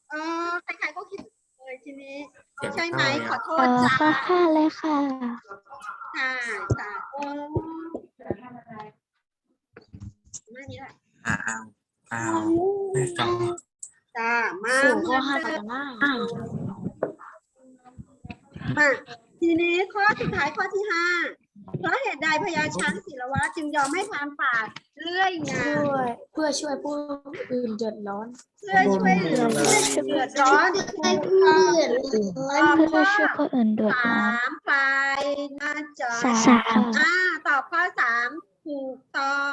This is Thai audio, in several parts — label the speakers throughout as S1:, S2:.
S1: ใครๆก็คิดเลยทีนี้
S2: เสียง
S1: ใช่ไหม
S2: เข้า
S1: ข
S2: แล้
S1: อ
S2: ว
S1: โทษจ้า
S3: ข้อห้าเลยค่ะ
S1: ค่ะจ้าโอ้หน้านี้แหละ
S2: อ้าวไม่ฟัง
S1: จ้ามา
S3: สู่
S1: เห
S3: ข้
S1: มื
S3: อ
S1: อน
S3: ห้า
S1: เดิ
S3: ต่อ
S1: ม
S3: หน้า
S1: มาทีนี้ข้อสุดท้ายข้อที่ห้าเพราะเหตุใดพญาช้างศิลวะจึงยอมให้พรานป่าเลื่อยงา
S3: เพื่อช่วยผู้อื่นเดือดร้อน
S1: เพื่อช่วยเหลือผู้เดือดร้อนให้เพื่อนตอบ
S3: เพื่อ
S1: ข้อ
S3: ช่วยผู้อื่นเดือดร้อน
S1: 3พลายน่าจะ
S3: สาม
S1: ตอบข้อ3ถูกต้อง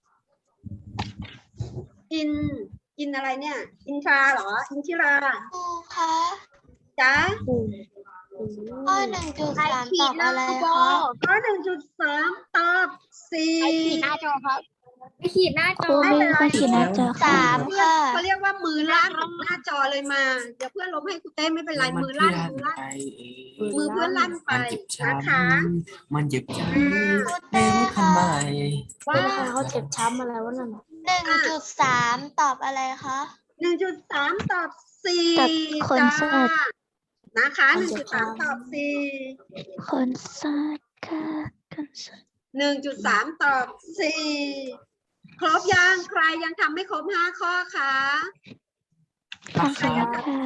S1: อินอะไรเนี่ย อินทราเหรอ อินทิรา
S4: ครูคะ
S1: จ๊ะ
S4: ข้อ1.3ตอบอะไรคะ
S1: ข้อ1.3ตอบ4
S4: หน้าจอครับไม่ขีดหน้าจ
S3: ครู
S4: อ
S3: มีคนขีดหน้าจอค่ะ
S4: 3ค่ะ
S1: เขาเรียกว่ามือลั่นหน้าจอเลยมา เดี๋ยวเพื่อนลบให้คุณเต้ไม่เป็นไรมือลั่นมือลั่น
S2: ไปเอง
S1: มือเพื่อนลั่นไป
S2: มันเจ็บช้
S1: นะคะ
S2: ำมันเจ็บช้
S1: อ่า
S2: ำเป็นทำไม
S3: ว่าเขาเจ็บช้ำอะไรวะนั่น
S4: 1.3ตอบอะไรคะ
S1: 1.3 ตอบ
S3: ตัด
S1: 4
S3: ขน
S1: จ้า
S3: สัตว์
S1: นะคะ
S3: มันเจ็บช้ำ
S1: 1.3 ตอบ
S3: คนสัตว์ค่ะคนสัตว์
S1: 4 1.3 ตอบ 4 ครบยังใครยังทำไม่ครบ 5 ข้อคะ
S3: ทำเสร็จแล้วค่ะ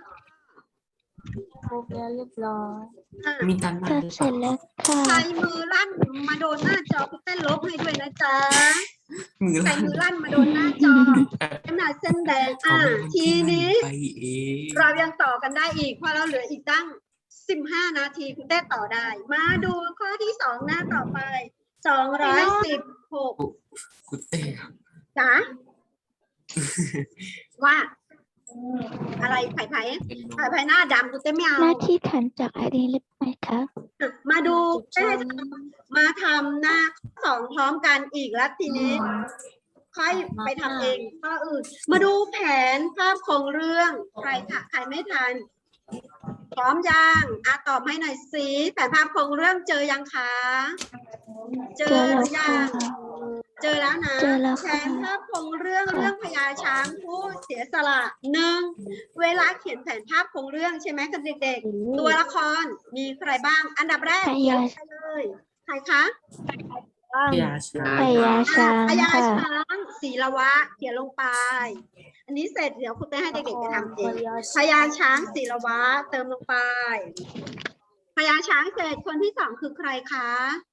S3: ครบแล้วเรียบร้อย
S1: อ่ะ
S2: มีการบ้านหรือ
S3: ทำเส
S2: เป
S3: ร็
S2: ล่า
S3: จแล้วค่ะ
S1: ใครมือลั่นมาโดนหน้าจอคุณเต้นลบให้ด้วยนะจ๊ะ
S2: มือ
S1: ใคร
S2: ลั่น
S1: มือลั่นมาโดนหน้าจอขนาดเส้นแดง
S2: เขาเป็นคน
S1: ที
S2: ที่ลั่น
S1: นี้
S2: ไปเอง
S1: เรายังต่อกันได้อีกเพราะเราเหลืออีกตั้ง 15 นาทีคุณเต้ต่อได้ มาดูข้อที่ 2 หน้าต่อไป 216
S2: คุณเต้ครับ
S1: จ๋าว่า อะไรไผ่ไผ่
S2: เป็นลม
S1: ไผ่ไผ่หน้าดำคุณเต้ไม่เอา
S3: หน้าที่ขันจากไอดีหรือไม่คะ
S1: มาดูเต้มาทำหน้า2พร้อมกันอีกแล้วทีนี้ ค่อยไปทำเองข้ออื่น มาดูแผนภาพโครงเรื่องใครค่ะใครไม่ทัน พร้อมยังตอบให้หน่อยสิแผนภาพโครงเรื่องเจอยังคะ เจ
S3: เจ
S1: อ
S3: อ
S1: ห
S3: แล้
S1: รื
S3: ว
S1: อยั
S3: ค่ะ
S1: ง เจอแล้วนะ
S3: เจอแล้ว
S1: แผ
S3: ค่ะ
S1: นภาพโครงเรื่องพญาช้างผู้เสียสละ1เวลาเขียนแผนภาพโครงเรื่องใช่ไหมคะเด็กๆ ตัวละครมีใครบ้าง อันดับแรก
S3: พ
S1: เขีย
S3: ญาน
S1: ไปเลยใครคะ
S2: พญาช้าง
S3: พญาช้าง
S1: พญา
S3: ค่ะ
S1: ช้างศีลวะเขียนลงไป อันนี้เสร็จเดี๋ยวคุณเต้ให้เด็กๆไปทำเองพญาช้างศีลวะเติมลงไปพญาช้างเสร็จคนที่ 2คือใครคะ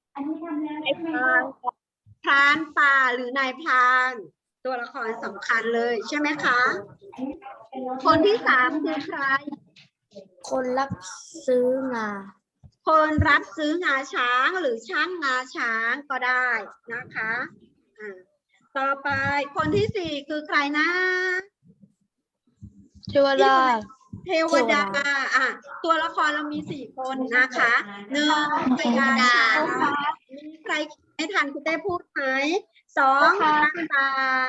S1: พรานป่าหรือนายพรานตัวละครสำคัญเลยใช่ไหมคะ คนที่ 3คือใคร
S3: คนรับซื้องา
S1: คนรับซื้องาช้างหรือช่างงาช้างก็ได้นะคะต่อไปคนที่ 4คือใครนะ
S3: เทวดา
S1: เทวดาตัวละครเรามี 4 คนนะคะ1พญาช้างมีใครไม่ทันคุณเต้พูดไหม2พรานป่า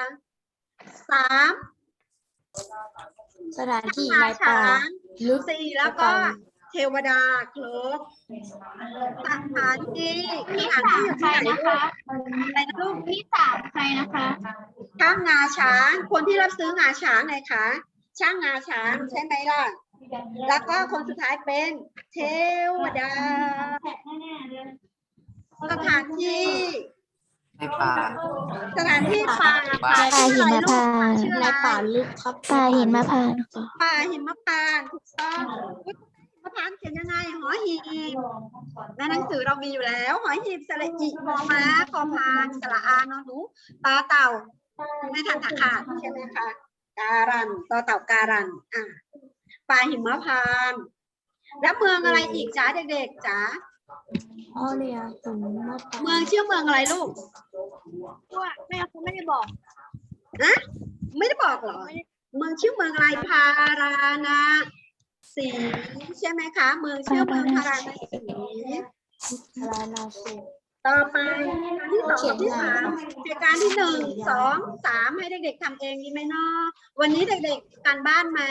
S1: 3
S3: สถานที่
S1: งา
S3: ในป่า
S1: ช้าง
S3: ลึก
S1: 4แล้วก็เทวดาครบสถานที่อยู่ที่ไหนนะคะอะไรนะลูก
S4: ที่3ใครนะคะ
S1: ช่างงาช้างคนที่รับซื้องาช้างไงคะช่างงาช้างใช่ไหมล่ะแล้วก็คนสุดท้ายเป็นเทวดาสถานที่
S2: ในป่า
S1: สถานที่ป่า
S3: ป่าหิมพานต์
S1: ชื่อ
S3: ใน
S1: อะไร
S3: ป่าลึกครับป่าหิมพานต์ค่ะ
S1: ป่าหิมพานต์ถูกต้องหิมพานต์เขียนยังไงหอหีบในหนังสือเรามีอยู่แล้วหอหีบสระอิมอม้าพอพานสระอานอหนูตาเต่าไม่ทันตะขาดใช่ไหมคะการันต่อเต่าการันป่าหิมพานต์แล้วเมืองอะไรอีกจ้าเด็กๆจ้า
S3: อ๋อเนี่ยถึงมา
S1: เมืองชื่อเมืองอะไรลูก
S4: ว่าแม่เขาไม่ได้บอก
S1: นะไม่ได้บอกเหรอเมืองชื่อเมืองอะไรพาราณสีใช่ไหมคะเมืองชื่อเมืองพาราณสี
S3: ลานาสี
S1: ต่อไปที่2กับที่3เหตุการณ์ที่1 2 3ให้เด็กๆทำเองดีไหมเนาะวันนี้เด็กๆการบ้านไหม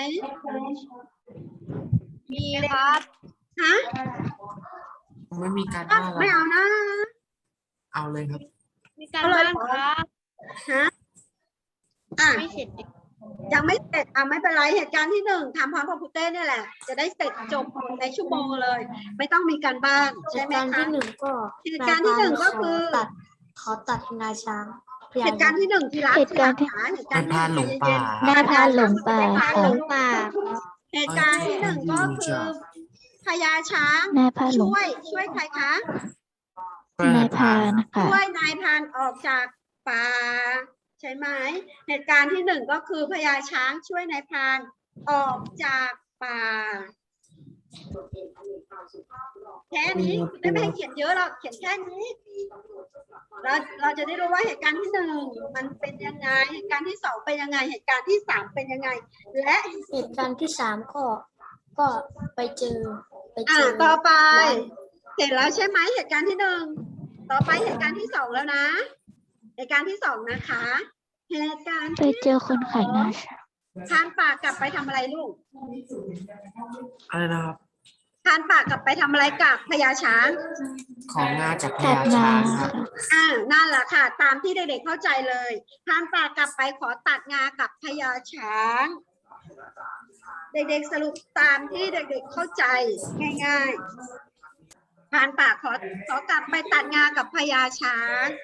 S4: มีครับ
S1: ฮะ
S2: ไม่มีการบ้าน
S1: ไม่
S2: แล้ว
S1: เอานะ
S2: เอาเลยครับ
S4: มีการบ้านครับ
S1: ฮะ
S4: ไม่เสร็จ
S1: ยังไม่เสร็จไม่เป็นไรเหตุการณ์ที่หนึ่งทำพร้อมกับครูเต้เนี่ยแหละ จะได้เสร็จจบในชั่วโมงเลย ไม่ต้องมีการบ้าน
S5: เห
S1: ใช่
S5: ตุ
S1: ไหม
S5: การณ์
S1: คะ
S5: ที่หนึ่งก็
S1: เหตุการณ์ที่หนึ่งก็คือ
S5: ขอตัดงาช้าง
S1: เหตุการณ์ที่หนึ่งที่รัก
S3: เหตุการณ์ที่
S1: เหตุการณ์ที่
S2: นายพรานหลงป่า
S3: นายพรานหลงป่า
S1: นายพรานหลงป่า
S3: ค่ะ
S1: เหตุการณ์ที่หนึ่งก็คือพญาช้าง
S3: นายพรานหลง
S1: ช่วยใครคะ
S3: นายพรานค่ะ
S1: ช่วยนายพรานออกจากป่าใช่ไหมเหตุการณ์ที่หนึ่งก็คือพญาช้างช่วยนายพรานออกจากป่าแค่นี้ไม่ให้เขียนเยอะหรอกเขียนแค่นี้เราจะได้รู้ว่าเหตุการณ์ที่หนึ่งมันเป็นยังไงเหตุการณ์ที่สองเป็นยังไงเหตุการณ์ที่สามเป็นยังไงและ
S5: เหตุการณ์ที่สามก็ไปเจอ
S1: ต่อไปเสร็จแล้วใช่ไหมเหตุการณ์ที่หนึ่งต่อไปเหตุการณ์ที่สองแล้วนะเหตุการณ์ที่สองนะคะเหตุการณ์
S3: ไปเจอคนขายงาช้าง
S1: พรานป่ากลับไปทำอะไรลูก
S2: อะไรนะครับ
S1: พรานป่ากลับไปทำอะไรกับพญาช้าง
S2: ของงาจากพ
S3: ตัด
S2: ญาง
S3: า
S2: ช้างค
S3: ค่ะ
S2: รับ
S1: นั่นแหละค่ะ ตามที่เด็กๆเข้าใจเลยพรานป่ากลับไปขอตัดงากับพญาช้าง เด็กๆสรุปตามที่เด็กๆเข้าใจง่ายๆพรานป่าขอกลับไปตัดงากับพญาช้าง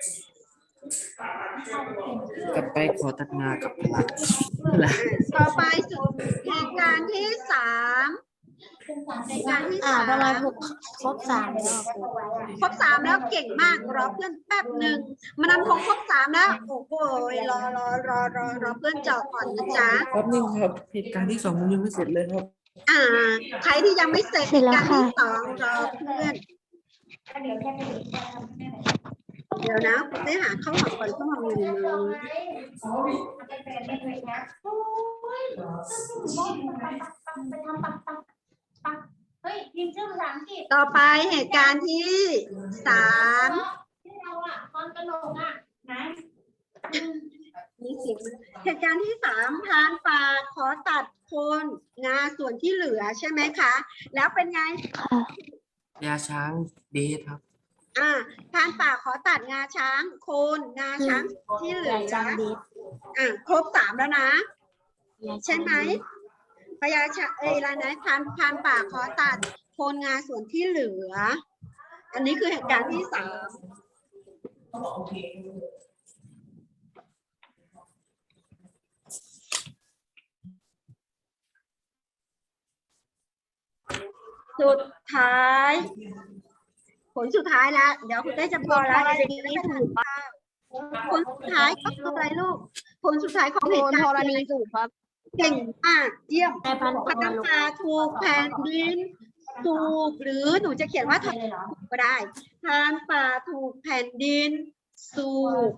S2: กลับไปขอตัดงากับพญา
S1: ต่อไปสู่เหตุการณ์ที่สามเหตุการณ์ที่สาม
S5: ทำไมครบสามแล้วครู
S1: ครบสามแล้วเก่งมากรอเพื่อนแป๊บหนึ่งมานำคงครบสามแล้วโอ้โหรอเพื่อนเจาะก่อนนะจ๊ะ
S2: แป๊บนึงครับเหตุการณ์ที่สองมันยังไม่เสร็จเลยครับ
S1: ใครที่ยังไม่เสร็จ
S3: เสร็จแล้ว
S1: การ
S3: ค่ะ
S1: ที่สองรอเพื่อนเดี๋ยวนะคุณได้หาข้าวหอมก่อนข้าวหอมอยู่ในมือต่อไปเหตุการณ์ที่สามมีเสียงเหตุการณ์ที่สามพรานป่าขอตัดโคนงาส่วนที่เหลือใช่ไหมคะ แล้วเป็นไง
S3: ค่ะ
S2: พญาช้างเดทครับ
S1: พรานป่าขอตัดงาช้างโคนงาช้างที่เหลือ
S5: จางเดช
S1: ครบสามแล้วนะ ใช่ไหมพญาช้างอะไรนะพรานป่าขอตัดโคนงาส่วนที่เหลือ อันนี้คือเหตุการณ์ที่สามสุดท้าย ผลสุดท้ายแล้ว เดี๋ยวคุณได้จะพอแล้วเด็กๆได้ถูกป่ะผลสุดท้ายก็คืออะไรลูก ผลสุดท้ายของเหตุการณ์ธรณีสูบครับ เก่งมากเยี่ยม
S5: นายพัน
S1: พรานป่าถูกแผ่นดินสูบหรือหนูจะเขียนว่าถูกก็ได้พรานป่าถูกแผ่นดินสูบ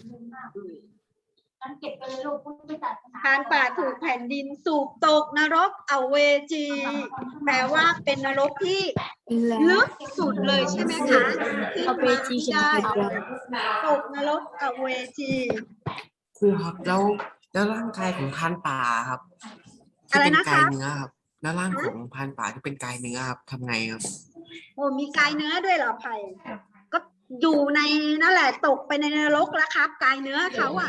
S1: พรานป่าถูกแผ่นดินสูบตกนรกอเวจีแปลว่าเป็นนรกที่ลึกสุดเลยใช่ไหมคะ
S5: เอาไปจีเขียน
S1: ได้
S5: ผิดแล้ว
S1: ตกนรกอเวจี
S2: ครูครับแล้วร่างกายของพรานป่าครับที่
S1: อะไร
S2: เป็น
S1: นะคะ
S2: กายเนื้อครับ แล้วร่างของพรานป่าที่เป็นกายเนื้อครับทำไงครับ
S1: โอ้มีกายเนื้อด้วยเหรอไผ่ก็อยู่ในนั่นแหละตกไปในนรกแล้วครับ กายเนื้อเขาอ่ะ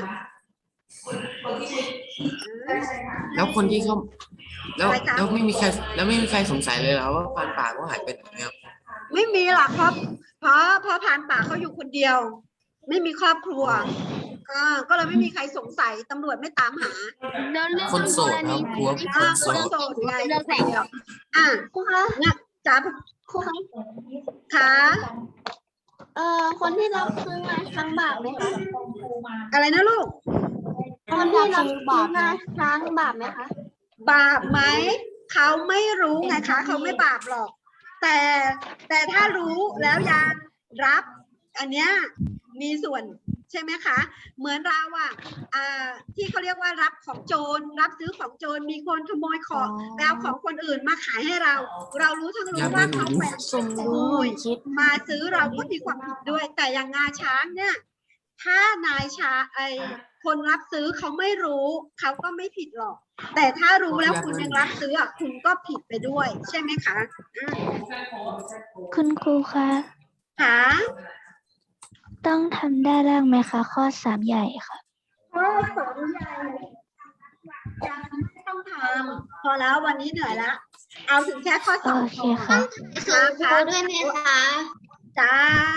S2: แล้วคนที่เขาแล้ว
S1: อะไรคะ
S2: แล้วไม่มีใครสงสัยเลยเหรอว่าพรานป่าเขาหายไปไหนครับ
S1: ไม่มีหรอกเพราะพรานป่าเขาอยู่คนเดียว ไม่มีครอบครัวก็เลยไม่มีใครสงสัยตำรวจไม่ตามหา
S2: คนโสดครับครูว่าเป็นคนโส
S1: คน
S2: ด
S1: โสดไงเดียวครูคะเนี่ยจ๋าครูคะคะ
S4: คนที่รับซื้อมาครั้งบาปไหมคะ
S1: อะไรนะลูก
S4: คนที่รับซื้อมาครั้งบาปไหมคะ
S1: บาปไหมเขาไม่รู้ไงคะเขาไม่บาปหรอก แต่ถ้ารู้แล้วยังรับ อันเนี้ยมีส่วนใช่ไหมคะ เหมือนเราที่เขาเรียกว่ารับของโจรรับซื้อของโจรมีคนขโมยของแล้วของคนอื่นมาขายให้เรา เรารู้ทั้งรู้ว่าเขาเป็น
S5: สมรู้คิด
S1: มาซื้อเราก็มีความผิดด้วย แต่อย่างงาช้างเนี่ย ถ้านายคนรับซื้อเขาไม่รู้เขาก็ไม่ผิดหรอก แต่ถ้ารู้แล้วคุณยังรับซื้อคุณก็ผิดไปด้วย ใช่ไหมคะ
S3: คุณครูคะ
S1: ค่ะ
S3: ต้องทำได้ร่างไหมคะ ข้อ 3 ใหญ่ค่ะ
S1: ข้อสองใหญ่ยังไม่ต้องทำพอแล้ววันนี้เหนื่อยแล้วเอาถึงแค่ข้อสอง
S3: โอเค
S1: ก่อน
S3: ค่ะ
S4: ส่งครูด้วยไหมคะ
S1: จ้า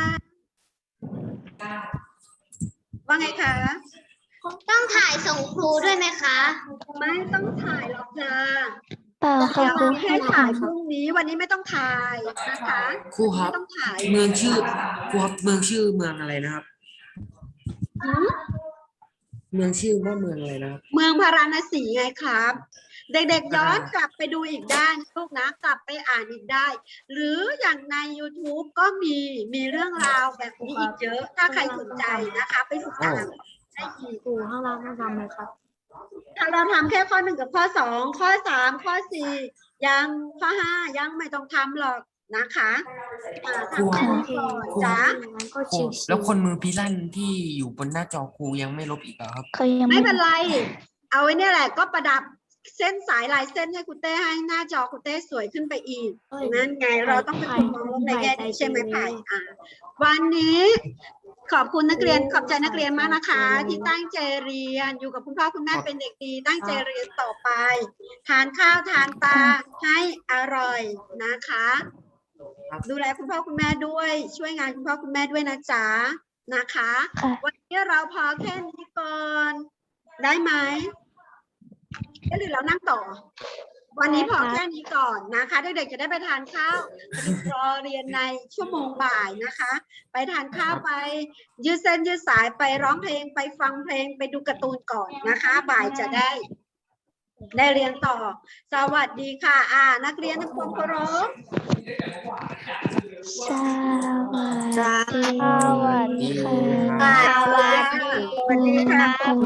S1: ว่าไงคะ
S4: ต้องถ่ายส่งครูด้วยไหมคะ
S1: ไม่ต้องถ่ายหรอกจ้า
S3: เปล่าค่ะ
S1: เดี๋ยว
S3: ครู
S1: มีให้ถ่ายพรุ่งนี้วันนี้ไม่ต้องถ่ายนะคะ
S2: ครูครับ
S1: ไม่ต้องถ่าย
S2: เมืองชื่อครูครับเมืองชื่อเมืองอะไรนะครับ
S1: หืม
S2: เมืองชื่อว่าเมืองอะไรนะครับ
S1: เมืองพาราณสีไงครับ เด็กๆย้อนกลับไปดูอีกได้นะลูกนะกลับไปอ่านอีกได้ หรืออย่างใน YouTube ก็มีเรื่องราวแบบนี้อีกเยอะ ถ้าใครสนใจนะคะ ไปศึกษาได้อีก
S5: ครูข้างล่างต้องทำไหมครับ
S1: ถ้าเราทำแค่ข้อ 1 กับข้อ 2 ข้อ 3 ข้อ 4 ยังข้อ 5 ยังไม่ต้องทำหรอกนะคะทำแค่นี้ก่อนจ้า
S5: งั้นก็
S2: ครู
S5: ชิวๆ
S2: แล้วคนมือพิลั่นที่อยู่บนหน้าจอครูยังไม่ลบอีกเหรอครับ
S3: เขายัง
S1: ไม่เป็นไร เอาไว้เนี่ยแหละก็ประดับเส้นสายลายเส้นให้คุณเต้ให้หน้าจอคุณเต้สวยขึ้นไปอีก
S5: เอ้ย
S1: นั่นไงเราต้องเป็นคนมองโลกในแง่ดีใช่ไหม
S5: ไผ่
S1: ไผ่วันนี้ขอบคุณนักเรียนขอบใจนักเรียนมากนะคะ ที่ตั้งใจเรียนอยู่กับคุณพ่อคุณแม่เป็นเด็กดีตั้งใจเรียนต่อไป ทานข้าวทานปลาให้อร่อยนะคะ ดูแลคุณพ่อคุณแม่ด้วย ช่วยงานคุณพ่อคุณแม่ด้วยนะจ๊ะนะคะ
S3: ค่ะ
S1: วันนี้เราพอแค่นี้ก่อนได้ไหมหรือเรานั่งต่อ วันนี้พอแค่นี้ก่อนนะคะเด็กๆจะได้ไปทานข้าวรอเรียนในชั่วโมงบ่ายนะคะ ไปทานข้าวไป ยืดเส้นยืดสายไปร้องเพลงไปฟังเพลงไปดูการ์ตูนก่อนนะคะ บ่ายจะได้เรียนต่อ สวัสดีค่ะนักเรียนทุกคนเคารพ
S3: สวัสดีค่ะ
S1: สวัสดีค่ะ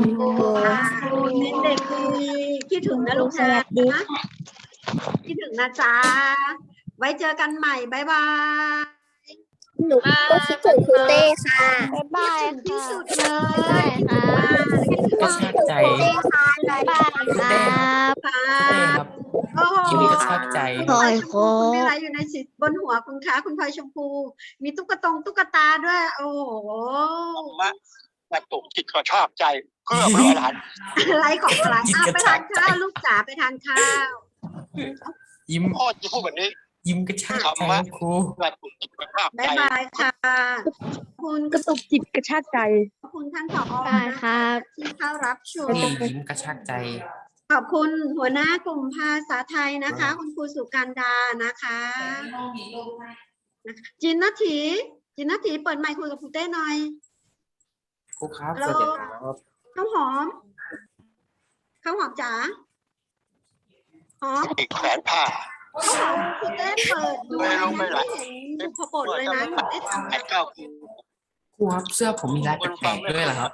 S1: เด็กดีคิดถึงนะลูกนะคิดถึงนะจ๊ะไว้เจอกันใหม่บ๊ายบาย
S4: หนูก็คิดถึงครูเต้ค่ะ
S3: บ๊ายบาย
S1: คิดถึงที่
S3: ค่ะ
S1: สุดเลยคิดถึงมากคิดถึง
S2: ก็
S1: มาก
S2: ชากใจ
S3: บ๊ายบายครับ
S1: ค่ะ
S2: เต้ครับ
S1: โอ้โห
S2: ยินดีกระชากใจ
S1: คุณพลอยชมพูคุณไม่ไรอยู่ในสิบนหัวคุณคะคุณพลอยชมพู มีตุ๊กตาด้วย โอ้โห
S6: กระตุกจิตกระชากใจเพื่อพระอรหันต์
S1: อะไรของอะไร
S2: จิตกระ
S1: ไป
S2: ชา
S1: ทาก น
S2: ใจ
S1: ข้าวลูกจ๋าไปทานข้าว
S2: ยิ้ม
S6: พ่อจะพูดแบบนี้
S2: ยิ้มกระชากใจครับครู
S6: กระตุกจิตกระชาก
S1: บ๊า
S6: ใจ
S1: ยบายค่ะคุณกระตุกจิตกระชากใจขอบคุณท่านผอนะคะที่เข้ารับชม
S2: นี่ยิ้มกระชากใจ
S1: ขอบคุณหัวหน้ากลุ่มภาษาไทยนะคะ คุณครูสุการดานะคะจินนาทีเปิดไมค์คุยกับครูเต้หน่อย
S2: ครูครับ
S1: ฮัลโหล
S2: สวัสดีครับ
S1: ข้าวหอมจ๋าหอม
S6: อีกแขวนผ้า
S1: ข้าวหอมครูเต้เปิดดู
S6: ไม่ลงไม่ไหล
S1: เห็นสุขบดเลยนะครูเต้ทำ
S6: แปดเก้า
S2: ครูครับเสื้อผมมีลายแปลกๆด้วยเหรอครับ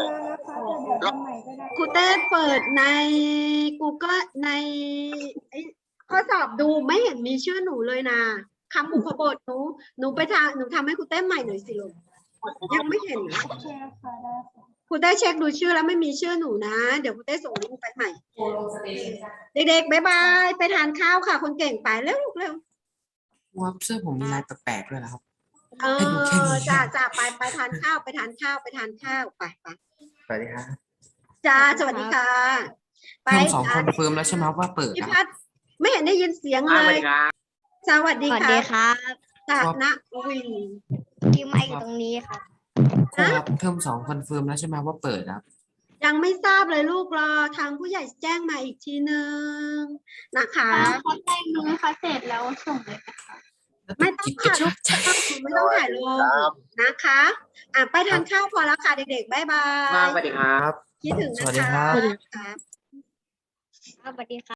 S1: ครูเต้เปิดใน Google ในข้อสอบดูไม่เห็นมีชื่อหนูเลยนะคำอุปบทหนูไปหนูทำให้ครูเต้ใหม่หน่อยสิลูกยังไม่เห็นนะครูเต้เช็คดูชื่อแล้วไม่มีชื่อหนูนะ เดี๋ยวครูเต้ส่งลิงก์ไปใหม่ เด็กๆบ๊ายบายไปทานข้าวค่ะ คนเก่งไปเร็วลูกเร็ว
S2: ครูครับเสื้อผมมีลายแปลกๆด้วยเหรอครับ
S1: เอ
S2: ให้ดูแค่นี้
S1: อจ้าไปทานข้าวไปทานข้าวไป
S2: สวัสดีครับ
S1: จ้าสวัสดีค่ะ ไป
S2: เทอมสองคอนเฟิร์มแล้วใช่ไหมครับว่าเปิด
S1: พี่
S2: นะค
S1: พั
S2: รับ
S1: ดไม่เห็นได้ยินเสียงเลย สวัสดีค่ะตาณวิน
S4: ที่ไม่อยู่ตรงนี้ค่ะ
S2: ครูครับเทอมสองคอนเฟิร์มแล้วใช่ไหมว่าเปิดครับ
S1: ยังไม่ทราบเลยลูกรอทางผู้ใหญ่แจ้งมาอีกทีนึงนะคะ
S4: เขาแจ้งมือเขาเสร็จแล้วส่งเลย
S1: ไม่ต้อง
S2: จิตกระ
S1: ถ่าย
S2: ชากใจ
S1: ไม่ต้องถ่ายลงนะคะไปทานข้าวพอแล้วค่ะเด็กๆบ๊ายบาย
S2: สวัสดีครับ
S1: คิดถึง
S2: ส
S1: นะ
S2: วัสดี
S1: คะ
S2: ครับ
S1: ครับ
S4: สวัสดีค่ะ